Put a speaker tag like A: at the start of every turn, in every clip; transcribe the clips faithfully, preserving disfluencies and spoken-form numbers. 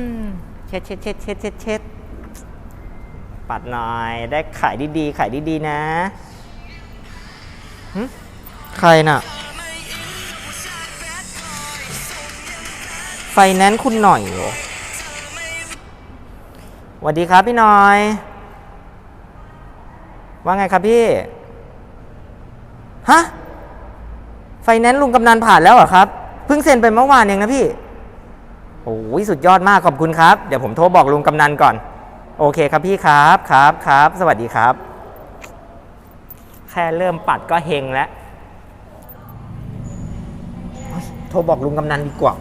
A: เช็ดเช็ดเช็ดเช็ดเช็ดเช็ดปัดหน่อยได้ขายดีๆขายดีๆนะใครน่ะไฟแนนซ์คุณหน่อยเหรอสวัสดีครับพี่หน่อยว่าไงครับพี่ฮะไฟแนนซ์ลุงกำนันผ่านแล้วเหรอครับเพิ่งเซ็นไปเมื่อวานเองนะพี่โอ้ยสุดยอดมากขอบคุณครับเดี๋ยวผมโทรบอกลุงกำนันก่อนโอเคครับพี่ครับครับครับสวัสดีครับแค่เริ่มปัดก็เฮงแล้วโทรบอกลุงกำนันดีกว่า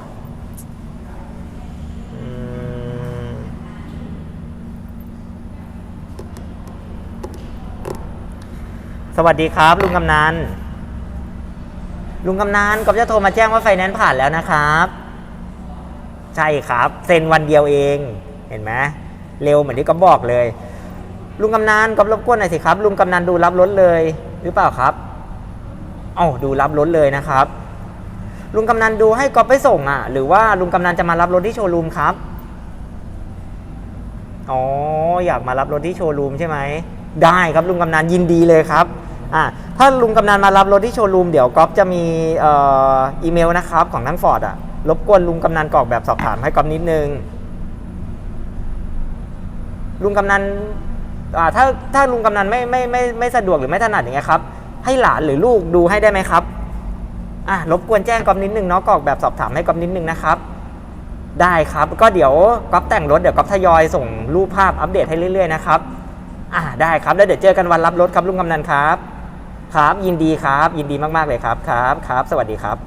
A: สวัสดีครับลุงกำนันลุงกำนันก็จะโทรมาแจ้งว่าไฟแนนซ์ผ่านแล้วนะครับใช่ครับเซ็นวันเดียวเองเห็นไหมเร็วเหมือนที่ก๊อฟบอกเลยลุงกำนันก๊อฟรบกวนหน่อยสิครับลุงกำนันดูรับรถเลยหรือเปล่าครับอ๋อดูรับรถเลยนะครับลุงกำนันดูให้ก๊อฟไปส่งอ่ะหรือว่าลุงกำนันจะมารับรถที่โชว์รูมครับอ๋ออยากมารับรถที่โชว์รูมใช่ไหมได้ครับลุงกำนันยินดีเลยครับอ่าถ้าลุงกำนันมารับรถที่โชว์รูมเดี๋ยวก๊อฟจะมีเอ่ออีเมลนะครับของทั้งฟอร์ดอ่ะรบกวนลุงกำนันกรอกแบบสอบถามให้ก๊อฟนิดนึงลุงกำนันอ่าถ้าถ้าลุงกำนันไม่ไม่ไม่ไม่สะดวกหรือไม่ถนัดอย่างเงี้ยครับให้หลานหรือลูกดูให้ได้ไหมครับอ่ะรบกวนแจ้งก๊อฟนิดนึงเนาะกรอกแบบสอบถามให้ก๊อฟนิดนึงนะครับได้ครับก็เดี๋ยวก๊อฟแต่งรถเดี๋ยวก๊อฟทยอยส่งรูปภาพอัปเดตให้เรื่อยๆนะครับอ่าได้ครับแล้วเดี๋ยวเจอกันวันรับรถครับลุงกำนันครับครับยินดีครับยินดีมากๆเลยครับครับครับสวัสดีครับ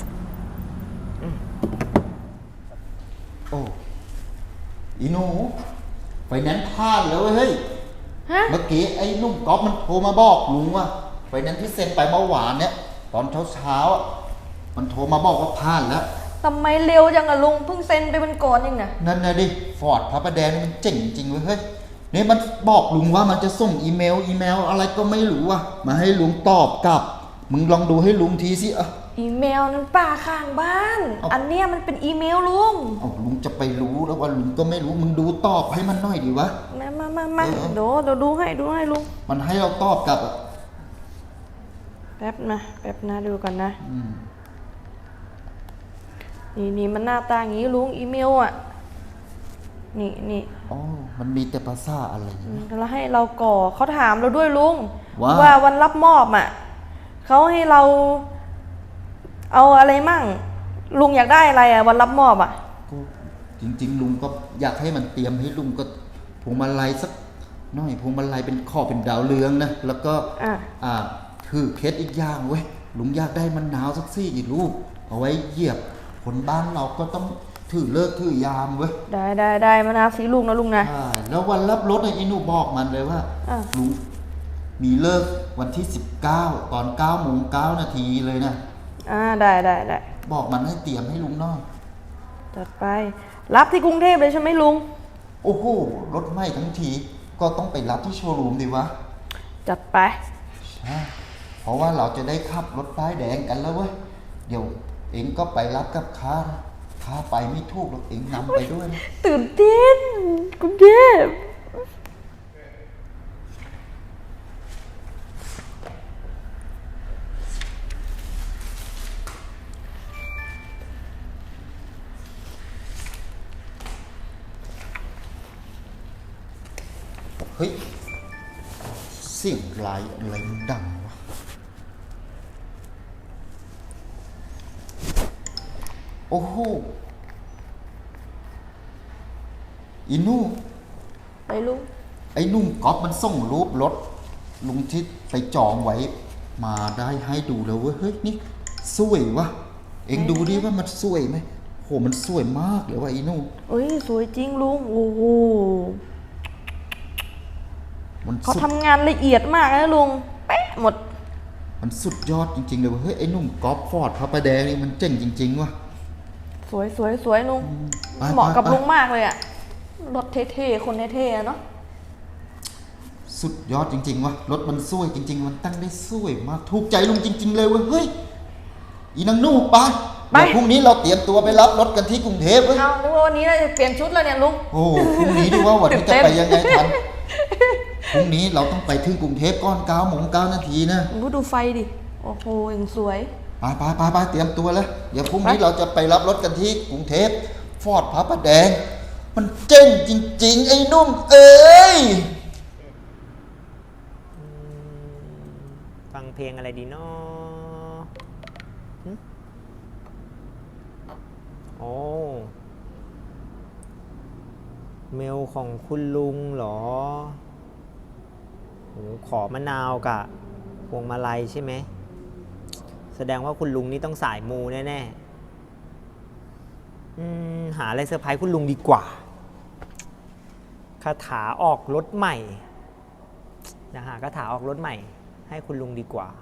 B: โอ้อีหนูไฟแนนซ์พลาดแล้วเฮ้ยเมื่อกี้ไอ้นุ่มก๊อฟมันโทรมาบอกลุงว่าไฟแนนซ์ที่เซ็นไปเมื่อวานเนี่ยตอนเช้าๆมันโทรมาบอกว่าพลาดแล้ว
C: ทำไมเร็วจังอะลุงเพิ่งเซ็นไปเป็นก่อนเองนะ
B: นั่นนะดิฟอร์ดพระประแดงมันเจ๋งจริงเว้ยเฮ้ยนี่มันบอกลุงว่ามันจะส่งอีเมลอีเมลอะไรก็ไม่รู้อะมาให้ลุงตอบกลับมึงลองดูให้ลุงทีสิอะ
C: อีเมลนั้นป้าข้างบ้านอันเนี้ยมันเป็นอีเมลลุง
B: เอาลุงจะไปรู้แล้วว่าลุงก็ไม่รู้มึงดูตอบให้มันหน่อยดีวะ
C: มามามามาเดี๋ยวเดี๋ยวดูให้ดูให้ลุง
B: มันให้เราตอบกลับอะ
C: แป๊บนะแป๊บนะดูกันนะนี่นี่มันหน้าตาอย่างนี้ลุงอีเมลอ่ะนี่นี่
B: อ๋อมันมีแต่ภาษาอะไร
C: แล้วให้เราก่อเขาถามเราด้วยลุง
B: ว่า
C: ว่าวันรับมอบอ่ะเขาให้เราเอาอะไรมั่งลุงอยากได้อะไรอ่ะวันรับมอบอ่ะ
B: ก็จริงๆลุงก็อยากให้มันเตรียมให้ลุงก็พวงมาลัยสักหน่อยพวงมาลัยเป็นขอบเป็นดาวเรืองนะแล้วก็
C: อ่า
B: อ่าคือเคสอีกอย่างเว้ยลุงอยากได้มันหนาวสักซี่อีกลูกเอาไว้เหยียบคนบ้านเราก็ต้องถือเลิกถือยามเว้ย
C: ได้ได้ได้มานาสีลุงนะลุงนะ
B: แล้ววันรับรถไอ้หนูบอกมันเลยว่าลุงมีเลิกวันที่สิบเก้าตอนเก้าโมงเก้านาทีเลยนะ
C: อ่าได้ได้ได้
B: บอกมันให้เตรียมให้ลุงน้อย
C: จัดไปรับที่กรุงเทพเลยใช่ไหมลุง
B: โอ้โหรถไหม้ทั้งทีก็ต้องไปรับที่โชว์รูมดีวะ
C: จัดไป
B: ใช่เพราะว่าเราจะได้ขับรถป้ายแดงกันแล้วเว้ยเดี๋ยวเองก็ไปรับกับข้าข้าไปไม่ถูกหรอกเองนำไปด้วยนะ
C: ตื่นเต้นกรุงเทพ
B: เฮ้ยเสียงไรอะไรมันดังวะโอ้โหอีนู่
C: ไปลุง
B: ไอ้นุ่มก๊อฟมันส่งรูปรถลุงที่ไปจองไว้มาได้ให้ดูแล้วเว้ยเฮ้ยนี่สวยวะเอ็งดูดิว่ามันสวยไหมโหมันสวยมากเลยว่ะอีนู่
C: เอ้ยสวยจริงลุงโอ้โหเขาทำงานละเอียดมากนะลุงเป๊ะหมด
B: มันสุดยอดจริงๆเลยเฮ้ยไอ้นุ่มก๊อฟฟอร์ดพระประแดงนี่มันเจ๋งจริงๆว่ะ
C: สวยสวยสวยลุงเหมาะกับลุงมากเลยอะรถเท่ๆคนเท่ๆเนาะ
B: สุดยอดจริงๆว่ะรถมันสวยจริงๆมันตั้งได้สวยมากถูกใจลุงจริงๆเลยเว้ยเฮ้ยอีนางนู่ปะ
C: ไป
B: เดี๋ยวพรุ่งนี้เราเตรียมตัวไปรับรถกันที่กรุงเทพเว้ย
C: เอานึกว่าวันนี้เราจะเปลี่ยนชุดแล้วเนี่ยลุง
B: โอ้พรุ่งนี้ดีว่าวันนี้
C: ตื่
B: จะ
C: นเต้น
B: ไปยังไงทันพรุ่งนี้เราต้องไปถึงกรุงเทพก่อนเก้าโมงเก้านาทีนะ
C: ดูดูไฟดิ โอ้โหยังสวย
B: ไปไปไปไปเตรียมตัวแล้วเดี๋ยวพรุ่งนี้เราจะไปรับรถกันที่กรุงเทพฟอร์ดพระประแดง มันเจ๋งจริง ๆ ไอ้นุ่มเอ้ย
A: ฟังเพลงอะไรดีเนาะหึโอ้เมลของคุณลุงเหรอโหขอมะนาวกับพวงมาลัยใช่ไหม แสดงว่าคุณลุงนี่ต้องสายมูแน่ๆอืมหาอะไรเซอร์ไพรส์คุณลุงดีกว่าคาถาออกรถใหม่นะฮะคาถาออกรถใหม่ ให้คุณลุงดีกว่า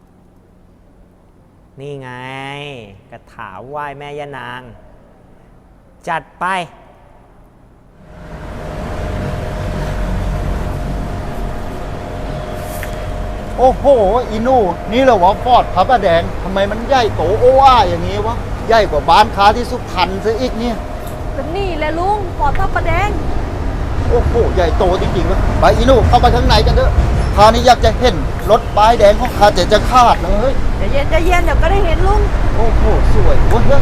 A: นี่ไงคาถาไหว้แม่ย่านาง จัดไป
B: โอ้โหอีนู่นี่เหรอวะฟอร์ดพระประแดงทำไมมันใหญ่โตโอ้อาอย่างนี้วะใหญ่กว่าบ้านค้าที่สุพรรณซะอีกเนี่ย
C: เป็นนี่แหละลุงปอดทับประแดง
B: โอ้โหใหญ่โตจริงๆวะไปอีนู่เข้าไปข้างในกันเถอะคราวนี้อยากจะเห็นรถป้ายแดงของข้าจะจะขาดเลย
C: ใจเย็นใจเย็นเดี๋ยวก็ได้เห็นลุง
B: โอ้โหสวยเว้ย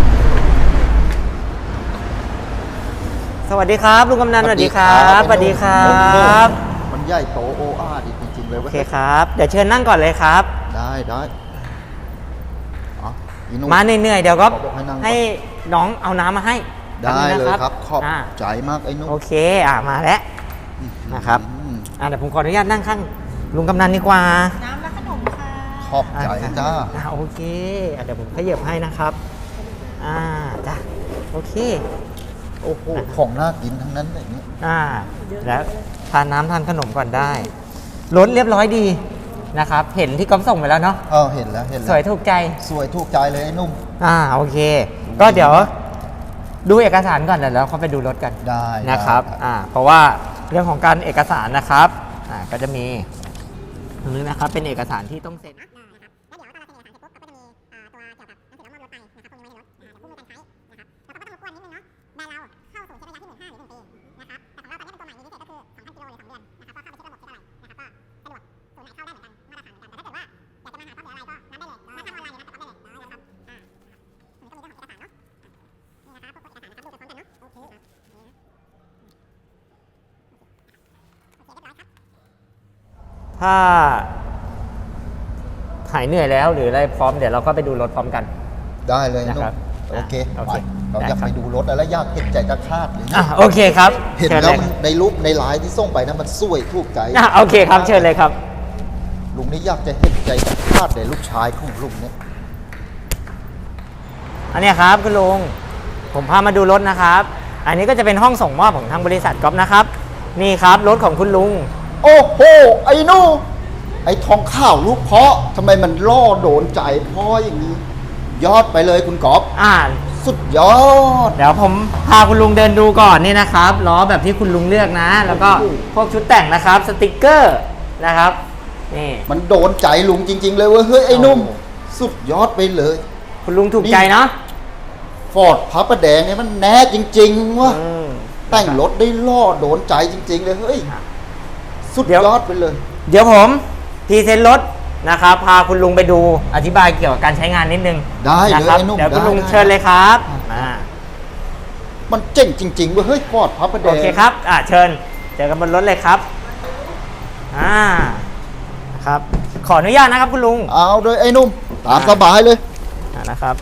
A: สวัสดีครับลุงกำนันสวัสดีครับ สวัสดีครับ
B: มันใหญ่โตโอ้อาดีจริงๆเลย
A: โอ
B: เว้ย
A: เคครับ เดี๋ยวเชิญนั่งก่อนเลยครับ
B: ได้ได้อ๋ออีนู่
A: มาเหนื่อยๆเดี๋ยวก็
B: ขอบอกให้นั่งก่อน
A: ให้น้องเอาน้ำมาให้
B: ได้
A: แป๊บนึง
B: เลย
A: นะครับ
B: ขอบ
A: อ่า
B: ใจมากไอ้นุ่ม
A: โอเคอ่ะมาแล้วนะครับ
B: อืม
A: อ่ะเดี๋ยวผมขออนุญาตนั่งข้างลุงกำนันดีกว่า
C: น้ำและขนมค่ะ
B: ขอบใจจ้า
A: อ่ะโอเคอ่ะเดี๋ยวผมขยับให้นะครับอ่าจ้ะโอเค
B: โอ้โหของน่ากินทั้งนั้นเลยเนี่ย
A: อ่าแล้วทานน้ำทานขนมก่อนได้รถเรียบร้อยดีนะครับ เห็นที่ก๊อฟส่งไปแล้วเนาะ
B: เออเห็นแล้วเห็นแล้ว
A: สวยถูกใจ
B: สวยถูกใจเลยไอ้นุ่ม
A: อ่าโอเค ก็เดี๋ยวดูเอกสารก่อนเดี๋ยวเราเข้าไปดูรถกัน
B: ได้
A: นะครับ
B: ได้
A: อ่าเพราะว่าเรื่องของการเอกสารนะครับอ่าก็จะมีตรงนี้นะครับเป็นเอกสารที่ต้องเซ็น ถ้าหายเหนื่อยแล้วหรืออะไรพร้อมเดี๋ยวเราก็ไปดูรถพร้อมกัน
B: ได้เลย
A: นะ
B: นุ่
A: ครั
B: ม
A: บ
B: โอเค
A: อ่ะโอ
B: ไป
A: เค
B: เราอยาก
A: ได้ครับ
B: ไปดูรถแล้วอยากเห็นใจจะคาดเลย
A: อ่ะโอเคครับ
B: เห็น
A: ชิญ
B: แล้ว
A: ย
B: มันในรูปในไลน์ที่ส่งไปนะมันสวยถูกใจ
A: อ่ะโอเคครับเชิญเลยครับ
B: ลุงนี่อยากจะเห็นใจจะคาดเลยลูกชายของลุงเนี่ย
A: อันเนี้ยครับคุณลุงผมพามาดูรถนะครับ อันนี้ก็จะเป็นห้องส่งมอบของทางบริษัทก๊อฟนะครับ นี่ครับรถของคุณลุง
B: โอ้โหไอ้นู่ไอ้ทองข้าวลูกเพาะทำไมมันล่อโดนใจพ่ออย่างนี้ ยอดไปเลยคุณกอฟ
A: อ่า
B: สุดยอด
A: เดี๋ยวผมพาคุณลุงเดินดูก่อนนี่นะครับล้อแบบที่คุณลุงเลือกนะ แล้วก็
B: โอ้โห
A: พวกชุดแต่งนะครับ สติกเกอร์นะครับนี่
B: มันโดนใจลุงจริง ๆ เลยเว้ยเฮ้ยไอ้นุ่ม
A: โอ้
B: สุดยอดไปเลย
A: คุณลุงถูกใจเนาะ
B: ฟอร์ดพระประแดงเนี่ยมันแน่จริงๆวะ
A: อืม
B: แต่งรถได้ล่อโดนใจจริง ๆ เลยเฮ้ย
A: ครับ
B: สุด
A: เดี๋ยว
B: ยอดไปเลย
A: เดี๋ยวผมพรีเซนต์รถนะครับ พาคุณลุงไปดูอธิบายเกี่ยวกับการใช้งานนิดนึง
B: ได้
A: นะ
B: เลย
A: ครับ
B: ไอ้นุ่ม
A: เดี๋ยวคุณ
B: ได้
A: ลุง
B: ได้
A: เชิญเลยครับอ่า
B: มันเจ๋งจริงๆเว้ยเฮ้ยฟอร์ดพระประแด
A: โอง เคครับอ่าเชิญเจอกันบนรถเลยครับอ่าครับ ขออนุญาตนะครับคุณลุง
B: เอาเลยไอ้นุ่มตามสบายเลย
A: อ่านะครับ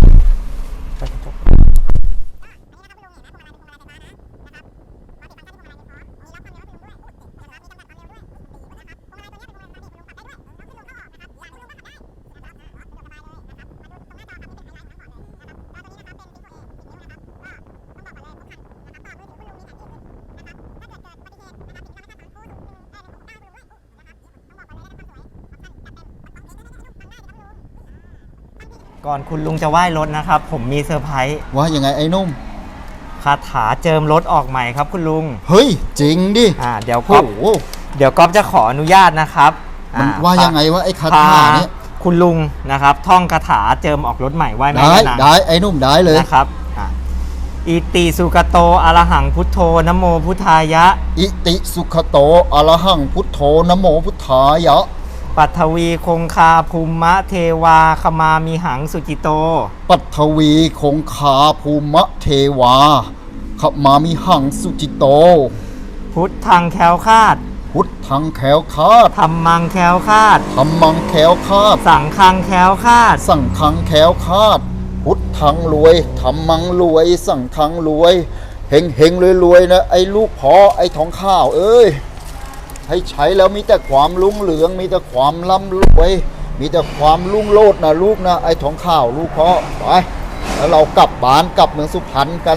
A: ก่อนคุณลุงจะไหว้รถนะครับ ผมมีเซอร์ไพรส์
B: ว่ายังไงไอ้นุ่ม
A: คาถาเจิมรถออกใหม่ครับคุณลุง
B: เฮ้ยจริงดิ
A: อ่าเดี๋ยว
B: โอ้
A: ก๊อฟ
B: โห
A: เดี๋ยวก๊อฟจะขออนุญาตนะครับ
B: มัน
A: อ่
B: ว่ายังไงวะไอ้คาถาเนี่ย
A: คุณลุงนะครับ ท่องคาถาเจิมออกรถใหม่ไหว้แม่
B: ได้
A: ย่านาง
B: ได้ไอ้หนุ่มได้เลย
A: นะครับอ่ะอิติสุกโตอรหังพุทโธนะโมพุทธายะ
B: อิติสุขโตอรหังพุทโธนะโมพุทธายะ
A: ปัทวีคงคาภูมะเทวาขมามีหังสุจิโต
B: ปัทวีคงคาภูมะเทวาขมามิหังสุจิโต
A: พุทธังแคล้วคลาด
B: พุทธังแขวคาด
A: ธรรมังแคล้วคลาด
B: ธรรมังแขวคาด
A: สังฆังแคล้วคลาด
B: สังฆังแขวคาด พุทธังรวยธรรมังรวย สังฆังรวยเฮงเฮงรวยรวยนะไอ้ลูกพ่อไอ้ทองข้าวเอ้ยให้ใช้แล้วมีแต่ความรุ่งเรืองมีแต่ความร่ำรวยมีแต่ความรุ่งโรจน์นะลูกนะไอ้ทองข้าวลูกพ่อไปแล้วเรากลับบ้านกลับเมืองสุพรรณกัน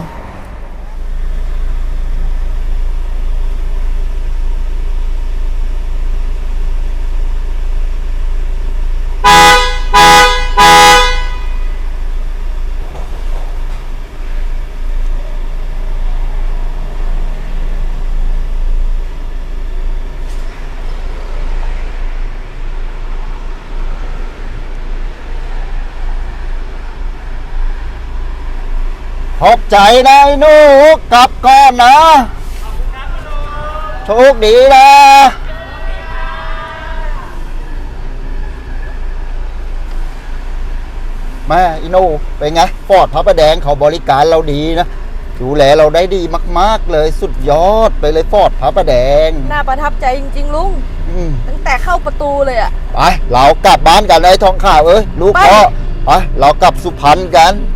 B: ขอบใจนะไอ้หนูกลับก่อนนะโชคดีนะแม่ไอ้หนูเป็นไงฟอร์ดพระประแดงเขาบริการเราดีนะดูแลเราได้ดีมากๆเลยสุดยอดไปเลยฟอร์ดพระประแดง
C: น่าประทับใจจริงๆลุง
B: อืม
C: ตั้งแต่เข้าประตูเลยอะ
B: ไปเรากลับบ้านกันไอ้ทองข่าวเอ้ยลูก
C: ไป
B: พ่อไปเรากลับสุพรรณกัน